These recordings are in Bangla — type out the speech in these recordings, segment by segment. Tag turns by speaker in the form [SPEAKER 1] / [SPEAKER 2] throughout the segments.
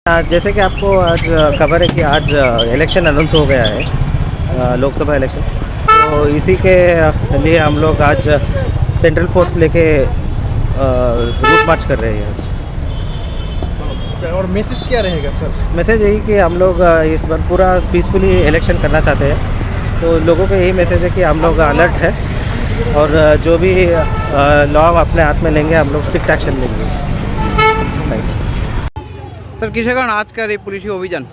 [SPEAKER 1] जैसे कि आपको आज खबर है कि आज इलेक्शन अनाउंस हो गया है, लोकसभा इलेक्शन। तो इसी के लिए हम लोग आज सेंट्रल फोर्स लेके रूट मार्च कर रहे हैं आज।
[SPEAKER 2] और मैसेज क्या रहेगा सर?
[SPEAKER 1] मैसेज यही कि हम लोग इस बार पूरा पीसफुली इलेक्शन करना चाहते हैं। तो लोगों को यही मैसेज है कि हम लोग अलर्ट है और जो भी लॉ अपने हाथ में लेंगे हम लोग स्ट्रिक्ट एक्शन लेंगे। थैंक्स
[SPEAKER 3] স্যার কিসের কারণ আজকের এই পুলিশি অভিযান?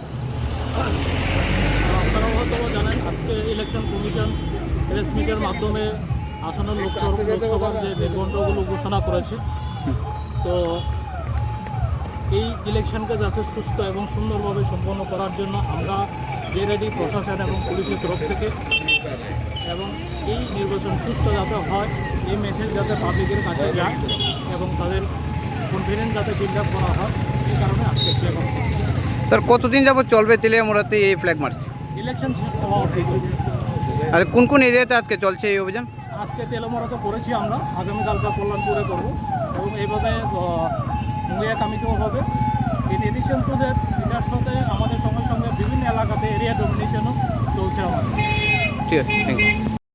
[SPEAKER 4] আপনারা হয়তো জানেন আজকে ইলেকশন কমিশন প্রেস মিটের মাধ্যমে আসন্ন লোকসভার যে নির্বন্ধগুলো ঘোষণা করেছে। তো এই ইলেকশনকে যাতে সুস্থ এবং সুন্দরভাবে সম্পন্ন করার জন্য আমরা যে রেডি প্রশাসন এবং পুলিশের তরফ থেকে, এবং এই নির্বাচন সুস্থ যাতে হয় এই মেসেজ যাতে পাবলিকের কাছে যায় এবং তাদের কনফিডেন্স যাতে বিল্ড আপ করা হয়, এই কারণে আজকে ফ্ল্যাগ মার্চ করছি।
[SPEAKER 3] স্যার কতদিন যাবত চলবে তেলিয়ামুড়াতে এই ফ্ল্যাগ মার্চ?
[SPEAKER 4] ইলেকশন শেষ হওয়া অবধি।
[SPEAKER 3] আর কোন কোন এরিয়াতে আজকে চলছে এই অভিযান?
[SPEAKER 4] আজকে তেলামুড়াতে করেছি আমরা, আগামীকালকে কল্যাণপুরে করব এবং এইভাবে মুঙ্গিয়া কামিতেও হবে। ইন এডিশন টু দ্যাট এটার সাথে আমাদের সঙ্গে সঙ্গে বিভিন্ন এলাকাতে এরিয়া ডমিনেশনও চলছে আমাদের।
[SPEAKER 3] ঠিক আছে, থ্যাংক ইউ।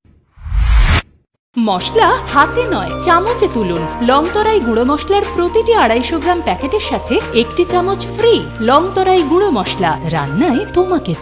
[SPEAKER 5] মশলা হাতে নয় চামচে তুলুন। লংতরাই গুঁড়ো মশলার প্রতিটি 250 গ্রাম প্যাকেটের সাথে 1টি চামচ ফ্রি। লংতরাই গুঁড়ো মশলা, রান্নায় তোমাকে